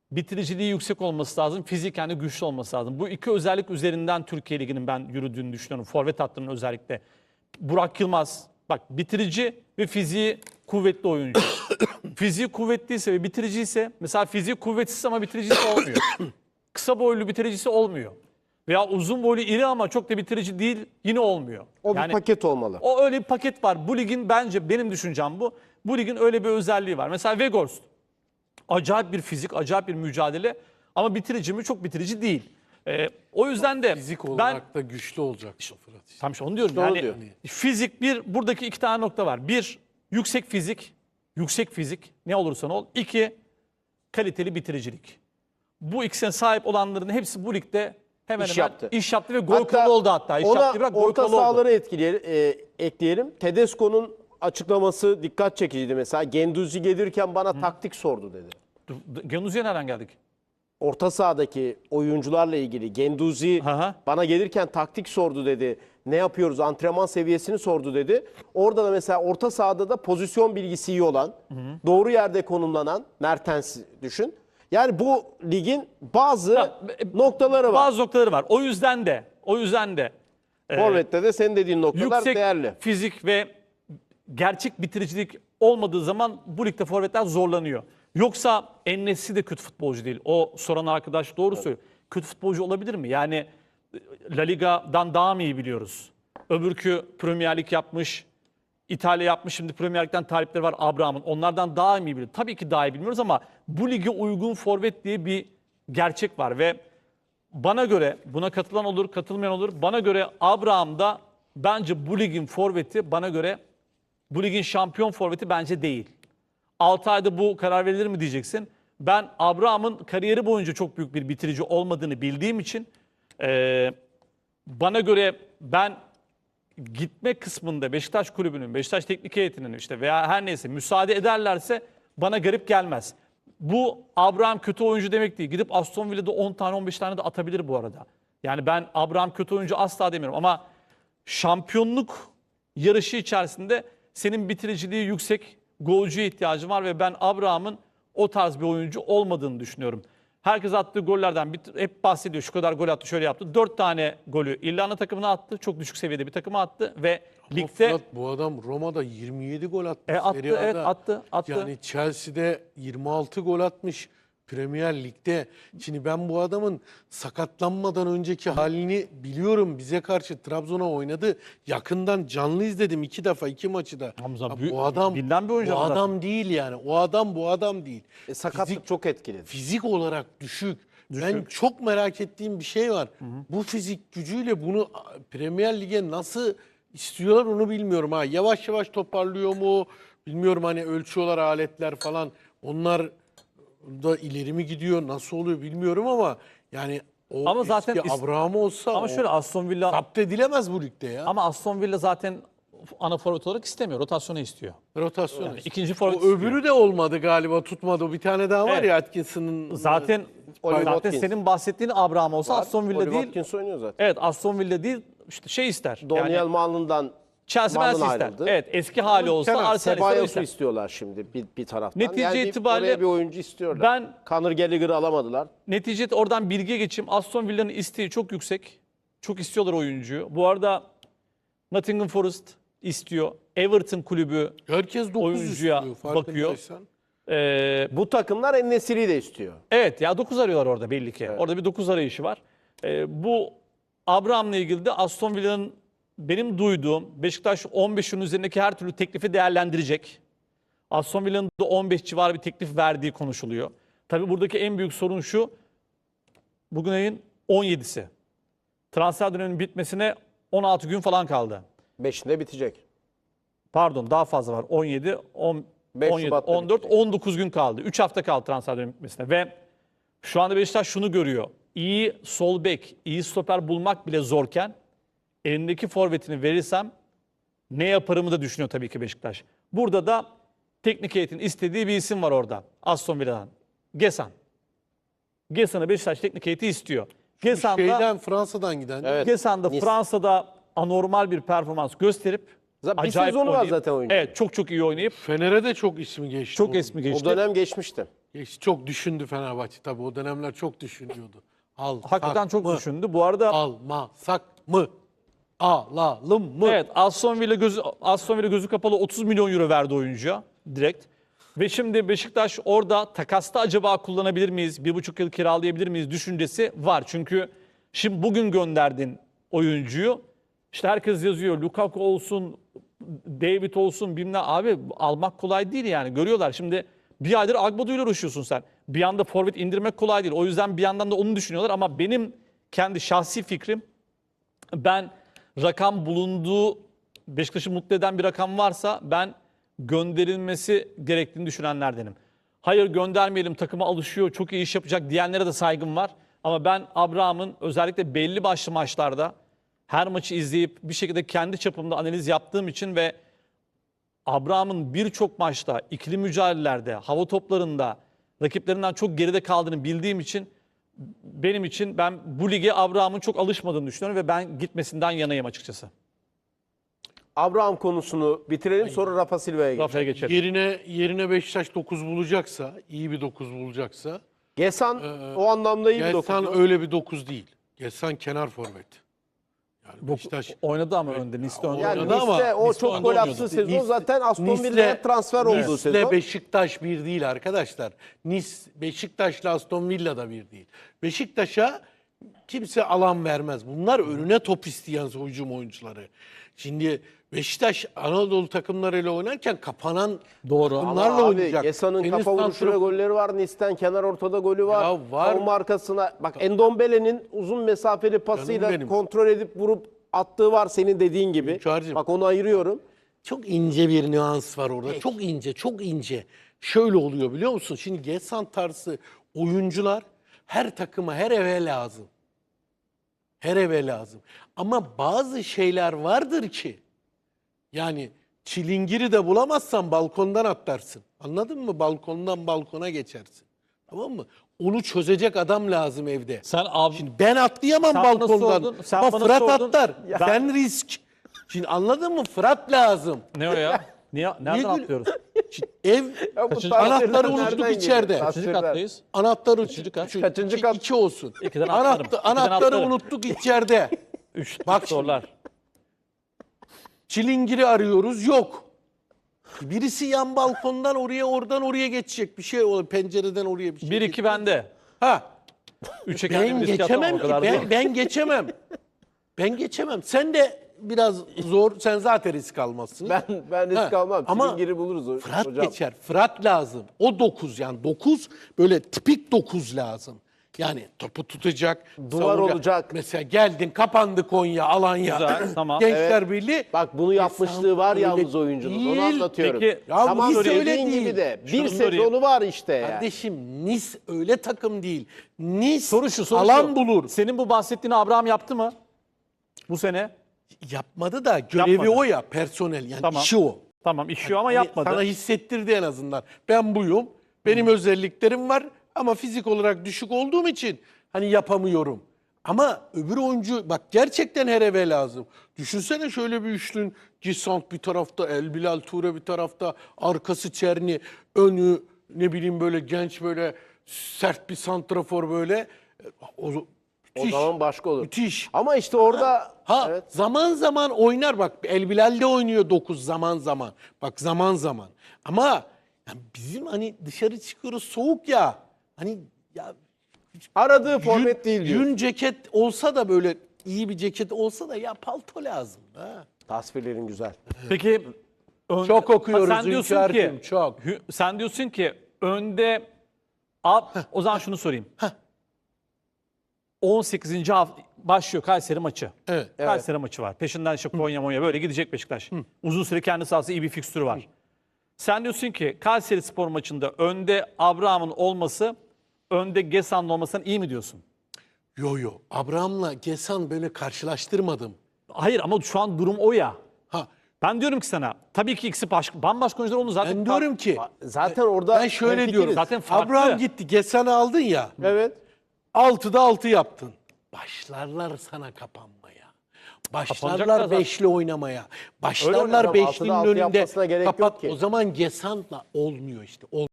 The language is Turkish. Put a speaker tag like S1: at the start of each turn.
S1: bitiriciliği yüksek olması lazım, fiziken de güçlü olması lazım. Bu iki özellik üzerinden Türkiye Ligi'nin ben yürüdüğünü düşünüyorum. Forvet hattının özellikle. Burak Yılmaz, bak bitirici ve fiziği kuvvetli oyuncu. Fiziği kuvvetliyse ve bitiriciyse, mesela fiziği kuvvetsiz ama bitiricisi olmuyor. Kısa boylu bitiricisi olmuyor. Veya uzun boylu iri ama çok da bitirici değil, yine olmuyor.
S2: O bir paket olmalı.
S1: O öyle bir paket var. Bu ligin bence, benim düşüncem bu. Bu ligin öyle bir özelliği var. Mesela Weghorst. Acayip bir fizik, acayip bir mücadele ama bitirici mi? Çok bitirici değil. O yüzden de
S3: Fizik
S1: ben
S3: olarak da güçlü olacak Fırat.
S1: tam işte onu diyorum.
S2: Doğru
S1: Yani
S2: diyor.
S1: fizik bir, buradaki iki tane nokta var. Bir, yüksek fizik. Yüksek fizik ne olursan ol. İki, kaliteli bitiricilik. Bu ikisine sahip olanların hepsi bu ligde hemen
S2: İş
S1: hemen
S2: yaptı.
S1: iş yaptı ve gol kralı oldu hatta. İş
S2: Ona
S1: yaptı, bırak, gol
S2: orta
S1: kralı oldu.
S2: sahaları ekleyelim. Tedesco'nun açıklaması dikkat çekiciydi mesela. Genduzi gelirken bana taktik sordu dedi.
S1: Genuzi'ye nereden geldik?
S2: Orta sahadaki oyuncularla ilgili Genduzi
S1: Aha.
S2: bana gelirken taktik sordu dedi. Ne yapıyoruz? Antrenman seviyesini sordu dedi. Orada da mesela orta sahada da pozisyon bilgisi iyi olan, doğru yerde konumlanan Mertens düşün. Yani bu ligin bazı noktaları var.
S1: Bazı noktaları var. O yüzden de
S2: Forvet'te de senin dediğin noktalar
S1: yüksek
S2: değerli.
S1: fizik ve gerçek bitiricilik olmadığı zaman bu ligde forvetler zorlanıyor. Yoksa En-Nesyri de kötü futbolcu değil. O soran arkadaş doğru söylüyor. Kötü futbolcu olabilir mi? Yani La Liga'dan daha mı iyi biliyoruz? Öbürkü Premier Lig yapmış, İtalya yapmış, şimdi Premier Lig'den talipleri var Abraham'ın. Onlardan daha mı iyi biliyoruz? Tabii ki daha iyi bilmiyoruz ama bu lige uygun forvet diye bir gerçek var ve bana göre, buna katılan olur, katılmayan olur. Bana göre Abraham da bence bu ligin forveti, bana göre bu ligin şampiyon forveti bence değil. 6 ayda bu karar verilir mi diyeceksin. Ben Abraham'ın kariyeri boyunca çok büyük bir bitirici olmadığını bildiğim için bana göre ben gitme kısmında Beşiktaş kulübünün, Beşiktaş teknik heyetinin işte veya her neyse müsaade ederlerse bana garip gelmez. Bu Abraham kötü oyuncu demek değil. Gidip Aston Villa'da 10 tane 15 tane de atabilir bu arada. Yani ben Abraham kötü oyuncu asla demiyorum ama şampiyonluk yarışı içerisinde senin bitiriciliği yüksek, golcüye ihtiyacın var ve ben Abraham'ın o tarz bir oyuncu olmadığını düşünüyorum. Herkes attığı gollerden hep bahsediyor. Şu kadar gol attı, şöyle yaptı. 4 tane golü İrlanda takımına attı. Çok düşük seviyede bir takıma attı ve ligde
S3: Fırat, bu adam Roma'da 27 gol atmış.
S1: attı,
S3: Serie A'da.
S1: evet, attı.
S3: Yani Chelsea'de 26 gol atmış. Premier Lig'de. Şimdi ben bu adamın sakatlanmadan önceki halini biliyorum. Bize karşı Trabzon'a oynadı. Yakından canlı izledim 2 defa 2 maçı da.
S1: Hamza,
S3: Ya bu adam
S1: bilinen bir oyuncu
S3: bu
S1: ama
S3: adam değil yani. O adam bu adam değil.
S2: Sakatlık çok etkiledi.
S3: Fizik olarak düşük. Ben çok merak ettiğim bir şey var. Bu fizik gücüyle bunu Premier Lig'e nasıl istiyorlar onu bilmiyorum. Ha, yavaş yavaş toparlıyor mu? Bilmiyorum, hani ölçüyorlar aletler falan. Onlar da ileri mi gidiyor? Nasıl oluyor bilmiyorum ama yani o
S1: Ama zaten
S3: eski Abraham olsa
S1: ama şöyle Aston Villa
S3: zapt edilemez bu ligde ya.
S1: ama Aston Villa zaten ana forvet olarak istemiyor. Rotasyonu istiyor.
S3: Rotasyon.
S1: Yani ikinci forvet
S3: O öbürü de olmadı galiba, tutmadı. O bir tane daha var
S1: Evet.
S3: ya Atkinson'ın.
S1: Zaten
S2: Oliver Watkins.
S1: senin bahsettiğin Abraham olsa Aston Villa
S2: Oliver
S1: değil.
S2: Watkins oynuyor zaten.
S1: Evet, Aston Villa değil. İşte şey ister.
S2: Daniel
S1: Yani
S2: Malın'dan
S1: Chelsea
S2: Malın
S1: Chelsea ister.
S2: ayrıldı.
S1: Evet, eski hali olsa Arsenal ister. o
S2: Sebayos'u
S1: ister.
S2: istiyorlar şimdi bir taraftan.
S1: Netice
S2: yani
S1: itibariyle
S2: oraya bir oyuncu istiyorlar.
S1: ben-
S2: Conor Gallagher'ı alamadılar.
S1: Neticede oradan bilgiye geçeyim. Aston Villa'nın isteği çok yüksek. Çok istiyorlar oyuncuyu. Bu arada Nottingham Forest istiyor. Everton kulübü
S3: Herkes 9
S1: oyuncuya
S3: istiyor,
S1: bakıyor.
S3: farkındaysan.
S2: Bu takımlar En-Nesyri'yi de istiyor.
S1: Evet ya 9 arıyorlar orada belli ki. Orada bir 9 arayışı var. Bu Abraham'la ilgili de Aston Villa'nın benim duyduğum Beşiktaş 15'in üzerindeki her türlü teklifi değerlendirecek. Aston Villa'nın da 15 civarı bir teklif verdiği konuşuluyor. Tabii buradaki en büyük sorun şu. Bugün ayın 17'si. Transfer döneminin bitmesine 16 gün falan kaldı.
S2: 5'inde bitecek.
S1: Pardon daha fazla var. 17,
S2: 5
S1: 17,
S2: Şubat'ta
S1: 14,
S2: bitecek.
S1: 19 gün kaldı. 3 hafta kaldı transfer döneminin bitmesine. Ve şu anda Beşiktaş şunu görüyor. İyi sol bek, iyi stoper bulmak bile zorken elindeki forvetini verirsem ne yaparımı da düşünüyor tabii ki Beşiktaş. Burada da teknik heyetin istediği bir isim var orada. Aston Villa'dan. Gesan. Gesan'ı Beşiktaş teknik heyeti istiyor. Gesan da,
S3: Şeyden, Fransa'dan giden.
S2: Evet.
S1: Gesan da
S2: Nice.
S1: Fransa'da anormal bir performans gösterip
S2: Bir
S1: acayip
S2: sezonu var
S1: oynayıp,
S2: zaten oyuncu.
S1: Evet, çok iyi oynayıp
S3: Fener'e de çok ismi geçti.
S1: çok
S3: onun.
S1: ismi
S2: O
S1: geçti.
S2: dönem geçmişti.
S3: Çok düşündü Fenerbahçe tabii. O dönemler çok düşünüyordu.
S1: Hakikaten çok düşündü. Bu arada
S3: Almasak mı? Alalım mı?
S1: evet, Aston Villa gözü kapalı 30 milyon euro verdi oyuncuya direkt. Ve şimdi Beşiktaş orada takasta acaba kullanabilir miyiz? 1,5 yıl kiralayabilir miyiz düşüncesi var. Çünkü şimdi bugün gönderdin oyuncuyu. İşte herkes yazıyor. Lukaku olsun, David olsun bilmem. Abi almak kolay değil yani. Görüyorlar. Şimdi bir aydır Agbodo ile uğraşıyorsun sen. Bir anda forvet indirmek kolay değil. O yüzden bir yandan da onu düşünüyorlar. Ama benim kendi şahsi fikrim, ben rakam bulunduğu, Beşiktaş'ı mutlu eden bir rakam varsa ben gönderilmesi gerektiğini düşünenlerdenim. Hayır göndermeyelim, takıma alışıyor, çok iyi iş yapacak diyenlere de saygım var. Ama ben Abraham'ın özellikle belli başlı maçlarda her maçı izleyip bir şekilde kendi çapımda analiz yaptığım için ve Abraham'ın birçok maçta, ikili mücadelelerde, hava toplarında rakiplerinden çok geride kaldığını bildiğim için benim için ben bu lige Abraham'ın çok alışmadığını düşünüyorum ve ben gitmesinden yanayım açıkçası.
S2: Abraham konusunu bitirelim, sonra Rafa Silva'ya geçelim.
S1: Rafa'ya geçelim.
S3: Yerine Beşiktaş 9 bulacaksa, iyi bir 9 bulacaksa,
S2: Gesan o anlamda iyi bir dokuz.
S3: Gesan öyle bir 9 değil. Gesan kenar forvet. Yani Beşiktaş
S1: Oynadı ama önde. Nice'de önde.
S2: Yani
S3: oynadı ama
S2: Nice'de o
S1: Nice'de
S2: çok
S1: önde
S2: gol
S1: oynuyordu.
S2: attığı sezon
S3: Nice-
S2: zaten Aston
S3: Nice'le-
S2: Villa'ya transfer olduğu
S3: Nice'le
S2: sezon.
S3: Beşiktaş bir değil arkadaşlar. Beşiktaş'la Aston Villa da bir değil. Beşiktaş'a kimse alan vermez. Bunlar önüne top isteyen hücum oyuncuları. Şimdi Beşiktaş Anadolu takımlarıyla oynarken kapanan
S1: Doğru.
S3: takımlarla
S2: Ama abi
S3: oynayacak.
S2: Gesa'nın
S3: Tenis
S2: kafa vuruşu ve
S3: santrafor-
S2: golleri var. Nice'den kenar ortada golü var.
S3: Ya var.
S2: Savunma arkasına. Bak Endombele'nin uzun mesafeli pasıyla
S3: Canım benim.
S2: kontrol edip vurup attığı var senin dediğin gibi.
S3: Hünkârcığım.
S2: Bak onu ayırıyorum.
S3: Çok ince bir nüans var orada. Çok ince, çok ince. Şöyle oluyor biliyor musun? Şimdi Gesan tarzı oyuncular her takıma, her eve lazım. Her eve lazım. Ama bazı şeyler vardır ki yani çilingiri de bulamazsan balkondan atlarsın. Anladın mı? Balkondan balkona geçersin. Tamam mı? Onu çözecek adam lazım evde.
S1: Sen abi
S3: Şimdi ben atlayamam
S1: Sen bana
S3: balkondan.
S1: sordun, sen
S3: Ama
S1: bana
S3: Fırat
S1: sordun.
S3: atlar.
S1: Ya-
S3: Sen risk. Şimdi anladın mı? Fırat lazım.
S1: ne o ya? Nereden
S3: gül-
S1: atlıyoruz?
S3: Şimdi ev
S2: Ya bu
S1: Kaçıncı-
S2: transferler
S3: anahtarı
S2: nereden
S3: unuttuk
S2: geliyor?
S3: içeride.
S1: Kaçıncı
S2: Transferler.
S1: kattayız?
S3: Anahtarı
S2: Kaçıncı kat?
S3: 2 olsun.
S1: İkiden atlarım. İkiden
S3: Anahtarı
S1: atlarım.
S3: unuttuk içeride.
S1: Üç
S3: Bak
S1: sorular.
S3: Çilingiri arıyoruz yok. Birisi yan balkondan oraya oradan oraya geçecek bir şey olur. Pencereden oraya bir şey.
S1: 1-2 bende.
S3: Ha.
S1: 3'e kendimi
S3: Ben
S1: riske atamam,
S3: geçemem
S1: o
S3: ki.
S1: kadar değil.
S3: Ben geçemem. Ben geçemem. Sen de biraz zor. Sen zaten risk almazsın.
S2: Ben risk
S3: Ha,
S2: almam.
S3: ama
S2: Çilingiri buluruz
S3: Fırat
S2: hocam.
S3: geçer. Fırat lazım. O 9 yani 9 böyle tipik 9 lazım. Yani topu tutacak.
S2: Duvar
S3: savunacak.
S2: olacak.
S3: Mesela geldin kapandı Konya, Alanya.
S1: Güzel, tamam.
S3: Gençler Birliği.
S2: Bak bunu yapmışlığı var
S3: öyle
S2: yalnız oyuncunun. Onu
S3: değil.
S2: anlatıyorum.
S1: Peki,
S3: ya
S2: Tamam
S3: Nice öyle
S2: dediğin
S3: değil.
S2: gibi de bir
S1: Şunu sorayım.
S2: sezonu var işte yani.
S3: Kardeşim Nice öyle takım değil. Nice
S1: Soru
S3: alan
S1: şu.
S3: bulur.
S1: Senin bu bahsettiğini Abraham yaptı mı? Bu sene?
S3: Yapmadı da görevi
S1: Yapmadı.
S3: o ya personel yani
S1: Tamam.
S3: işi o.
S1: Tamam işiyor ama
S3: Hani
S1: yapmadı.
S3: Sana hissettirdi en azından. Ben buyum. Benim özelliklerim var ama fizik olarak düşük olduğum için hani yapamıyorum. Ama öbür oyuncu bak gerçekten her eve lazım. Düşünsene şöyle bir üçlün. Gisant bir tarafta, El Bilal Ture bir tarafta, arkası Çerni, önü ne bileyim böyle genç böyle sert bir santrafor böyle. O,
S2: O
S3: müthiş.
S2: zaman başka olur.
S3: Müthiş.
S2: Ama işte orada
S3: Ha
S2: evet.
S3: zaman zaman oynar bak El Bilal'de oynuyor 9 zaman zaman. Bak zaman zaman. Ama yani bizim hani dışarı çıkıyoruz soğuk ya. Hani ya
S2: aradığı forvet değil diyor.
S3: yün ceket olsa da böyle iyi bir ceket olsa da ya palto lazım. Ha.
S2: Tasvirlerin güzel.
S1: Peki
S3: Çok okuyoruz
S1: sen diyorsun
S3: Hünkâr'cığım,
S1: ki
S3: çok.
S1: Sen diyorsun ki önde o zaman şunu sorayım. 18. hafta başlıyor Kayseri maçı.
S3: Evet.
S1: Kayseri maçı var. Peşinden işte Konya Monya böyle gidecek Beşiktaş. Uzun süre kendi sahası iyi bir fikstürü var. Sen diyorsun ki Kayseri Spor maçında önde Abraham'ın olması, önde Gesan'ın olmasından iyi mi diyorsun?
S3: Yo. Abraham'la Gesan böyle karşılaştırmadım.
S1: Hayır ama şu an durum o ya.
S3: Ha
S1: Ben diyorum ki sana tabii ki ikisi bambaşka oyuncular onu zaten.
S3: ben diyorum ki
S2: Zaten orada
S3: ben şöyle
S2: hemfikiriz.
S3: diyorum.
S1: Zaten farklı.
S3: Abraham gitti Gesan'ı aldın ya.
S2: Evet.
S3: 6'da 6 yaptın. Başlarlar sana kapanmaya.
S1: Kapanacaklar
S3: Başlarlar
S1: zaten.
S3: beşli oynamaya.
S2: Öyle
S3: Başlarlar
S2: oynayalım.
S3: beşlinin
S2: 6'da 6
S3: önünde.
S2: yapmasına gerek yok
S3: Kapat.
S2: ki.
S3: O zaman Gesan'la olmuyor işte.